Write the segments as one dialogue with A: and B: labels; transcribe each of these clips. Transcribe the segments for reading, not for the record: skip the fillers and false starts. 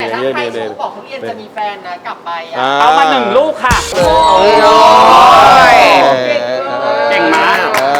A: ถ้าใครชมบอกทุเรียนจะมีแฟนนะกลับไป
B: เอามา1 ลูกค่ะเก่งมาก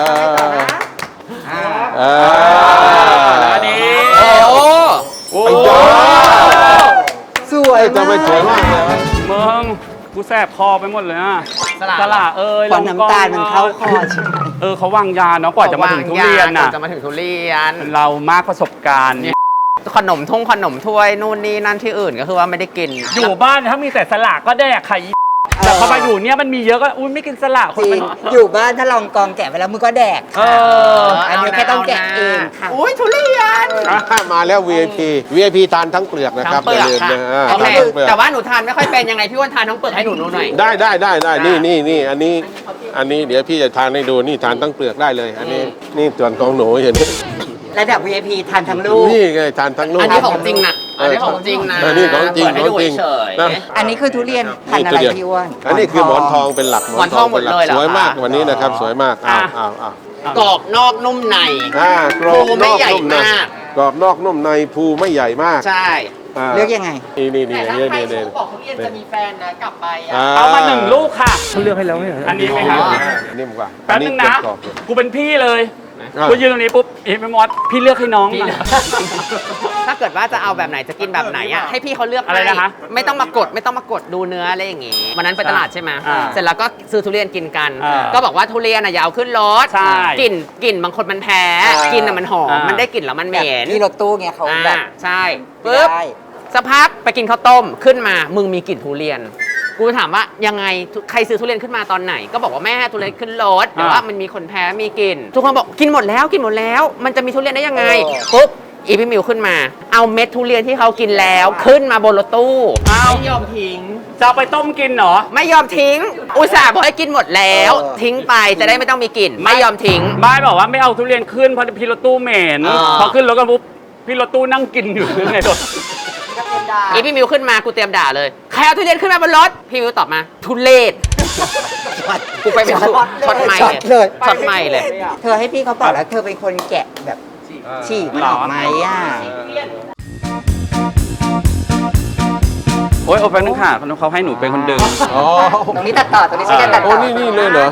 B: อันนี้โอ้
C: สวยจะไปสวยมากเลย
B: มึงกูแสบคอไปหมดเลยอ่ะสละ
C: ควันน้ำตาลมันเข้าคอใช่ไหม
B: เขาวางยาเนาะกว่าจะมาถึงทุเรียนน่ะ
D: จะมาถึงทุเรียน
B: เรามากประสบการณ์
D: ขนมถ้วยนู่นนี่นั่นที่อื่นก็คือว่าไม่ได้กิน
B: อยู่บ้านถ้ามีแต่สละก็แดกไข่แต่พอมาอยู่เนี่ยมันมีเยอะก็อุ้ยไม่กินสละคนมัน
C: อยู่บ้านถ้าลองกองแกะไปแล้วมึงก็แดกอันนี้แค่ต้องแกะเองค่ะ
D: อุ้ยทุเรียน
C: มาแล้ว VIP ทานทั้งเปลือกนะครับอย่าลืมนะ
D: แต่ว่าหนูทานไม่ค่อยเป็นยังไงพี่อ้วนทานทั้งเปลือกให้หนูดูหน่อย
C: ได้นี่อันนี้เดี๋ยวพี่จะทานให้ดูนี่ทานทั้งเปลือกได้เลยอันนี้นี่ส่วนของหนูอย่างนี้ระดับ VIP ทานทั้งลูก
D: นี่
C: ไงทานทั้งลูก
D: อันนี้ของจริงนะอันนี้ของจริงนะ
C: อันนี้ของจริง
D: อั
C: นนี้คือทุเรียนพันธุ์อะไรพี่อ้วนอันนี้คือหมอนทองเป็นหลัก
D: หมอนทองหมดเลย
C: สวยมากวันนี้นะครับสวยมาก
D: กรอบนอกนุ่มใน
C: กรอบนอกนุ่มในกรอบนอกนุ่มในภูไม่ใหญ่มาก
D: ใช่
C: เลือกยังไง
A: นี่แต่ถ้าใครชมบอกทุเรียนจะมีแฟนนะกลับไป
B: เอามา1 ลูกค่ะเขาเลือกให้แล้วไม่เหรออันนี้ไหมครับ
C: นิ่มกว่า
B: แป๊บนึงนะกูเป็นพี่เลยกูยืนตรงนี้ปุ๊บไม่มอสพี่เลือกให้น้อง
D: ถ้าเกิดว่าจะเอาแบบไหนจะกินแบบไหนอ่ะให้พี่เขาเลือก
B: อะไรนะคะ
D: ไม่ต้องมากดดูเนื้ออะไรอย่างงี้วันนั้นไปตลาดใช่ไหมเสร็จแล้วก็ซื้อทุเรียนกินกันก็บอกว่าทุเรียนอย่าเอาขึ้นรถกลิ่นบางคนมันแพ้กินมันหอมมันได้กลิ่นแล้วมันเหม็น
C: ที่รถตู้เงี้ยเขาแบบ
D: ใช่ปุ๊บสักพักไปกินข้าวต้มขึ้นมามึงมีกลิ่นทุเรียนกูถามว่ายังไงใครซื้อทุเรียนขึ้นมาตอนไหนก็บอกว่าแม่ทุเรียนขึ้นรถแต่ว่ามันมีคนแพ้มีกลิ่นทุกคนบอกกินหมดแล้วมันจะมีทุเรียนได้ยังไงปุ๊บอีพี่มิวขึ้นมาเอาเม็ดทุเรียนที่เขากินแล้วขึ้นมาบนรถตู้
B: ไม่ยอมทิ้งจะไปต้มกินเหรอ
D: ไม่ยอมทิ้งอุตส่าห์บอกให้กินหมดแล้วทิ้งไปจะได้ไม่ต้องมีกลิ่นไม่ยอมทิ้ง
B: บ้านบอกว่าไม่เอาทุเรียนขึ้นเพราะพี่รถตู้เหม็นพอขึ้นรถกันปุ๊บพี่รถตู้นั่งกินอยู่ในรถ
D: อีพี่มิวขึ้นมากูเตรียมด่าเลยใครเอาทุเรียนขึ้นมาบนรถพี่มิวตอบมาทุเรศกูไปเป็นช็อตใหม่เลยช็อตใหม่เลย
C: เธอให้พี่เขาบอกแล้วเธอเป็นคนแกะแบบฉีกมันออกไหม
B: โอ๊ยโอ้แป๊บนึงค่ะเขาให้หนูเป็นคนดึง
C: ตรงนี้ตัดต่อตรงนี้ใช่ไหมตัดต่อนี่เลยเหรอ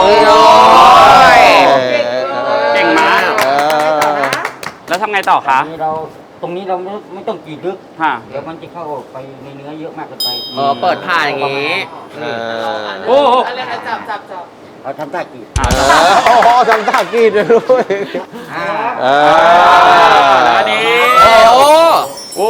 B: เก่งมากแล้วทำไงต่อคะ
E: ตรงนี้เราไม่ต้องกรีดลึกเดี๋ยวมันจะเข้าไปในเนื้อเยอะมากเกินไป
D: เปิดผ่าอย่างนี้
B: โอ้
A: จับ
E: เราทำท่ากรีด
C: ทำท่ากรีดเลยด้วย
B: อันนี้
D: โอ้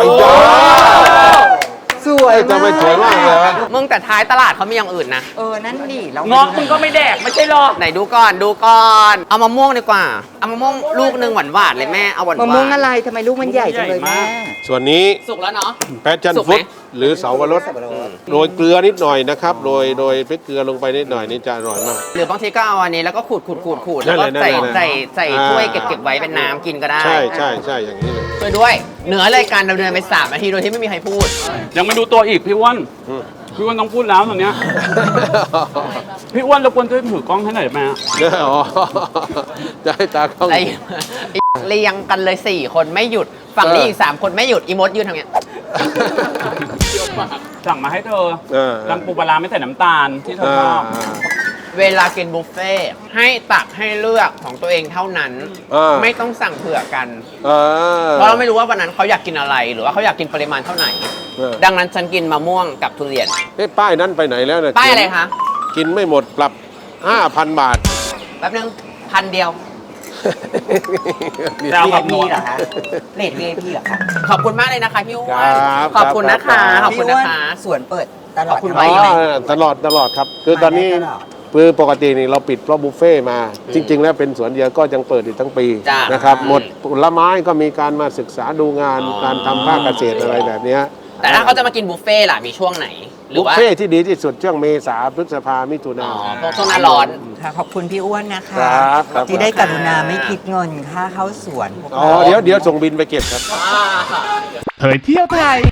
C: สวยจะไปสวยมากเลย
D: มึงแต่ท้ายตลาดเขามีอย่างอื่นนะ
C: นั่นดิ
B: เงาะมึงก็ไม่แดกไม่ใช่หรอ
D: ไหนดูก่อนเอามะม่วงดีกว่าเอามะม่วงลูกนึงหวานเลยแม่เอาหวาน
C: มะม่วงอะไรทำไมลูกมันใหญ่จังเลยแม่ส่วนนี้
D: สุกแล้วเนาะ
C: แพชชั่นฟรุตหรือเสาวรสโรยเกลือนิดหน่อยนะครับโรยพริกเกลือลงไปนิดหน่อยนี่จะอร่อยมาก
D: หรือบางทีก็เอาอันนี้แล้วก็ขูดแล้วก็ใส่ถ้วยเก็บไว้เป็นน้ำกินก็ได้
C: ใช่อย่างนี้เลย
D: ด้วยเหนือรายการดำเนินไป3 นาทีโดยที่ไม่มีใครพูด
B: ยังไม่ดูตัวอีกพี่อ้วนต้องพูดแล้วตอนเนี้ยพี่อ้วนรบกวนช่วยถือกล้องให้หน่อยได้ไหม
C: จะให้ตากล้อง
D: เรียงกันเลย4 คนไม่หยุดฝั่งนี้อีก3 คนไม่หยุดอีมดยืนทางเนี้ย
B: สั่งมาให้เธอน้ำปูปลาไม่ใส่น้ำตาลที่เธอชอบ
D: เวลากินบุฟเฟ่ให้ตักให้เลือกของตัวเองเท่านั้นไม่ต้องสั่งเผื่อกันเพราะเราไม่รู้ว่าวันนั้นเขาอยากกินอะไรหรือว่าเขาอยากกินปริมาณเท่าไหร่ดังนั้นฉันกินมะม่วงกับทุเรียน
C: ป้ายนั้นไปไหนแล้วเนี่ย
D: ป้ายอะไรคะ
C: กินไม่หมดปรับ 5,000 บาท
D: แป๊บนึง1,000 เดียว
B: แล้วกับพี่
C: เหรอคะเลท VIP เหรอคะ
D: ขอบคุณมากเลยนะคะพี่อ้วนขอบคุณนะคะ
C: สวนเปิดตลอดตลอดครับคือตอนนี้ปกตินี่เราปิดเพราะบุฟเฟ่มาจริงๆแล้วเป็นสวนเดียวก็ยังเปิดอีกทั้งปีนะครับหมดผลไม้ก็มีการมาศึกษาดูงานการทำภาคเกษตรอะไรแบบนี้
D: แต่ถ้าเขาจะมากินบุฟเฟ่ล่ะมีช่วงไหน
C: บุฟเฟ่ที่ดีที่สุดช่วงเมษาพฤษภามิถุนา
D: ช่วงหน้าร้อน
C: ค่ะขอบคุณพี่อ้วนนะคะที่ได้กรุณาไม่คิดเงินค่าเข้าสวนเดี๋ยวส่งบินไปเก็บครับ
F: เผยเที่ยวไทย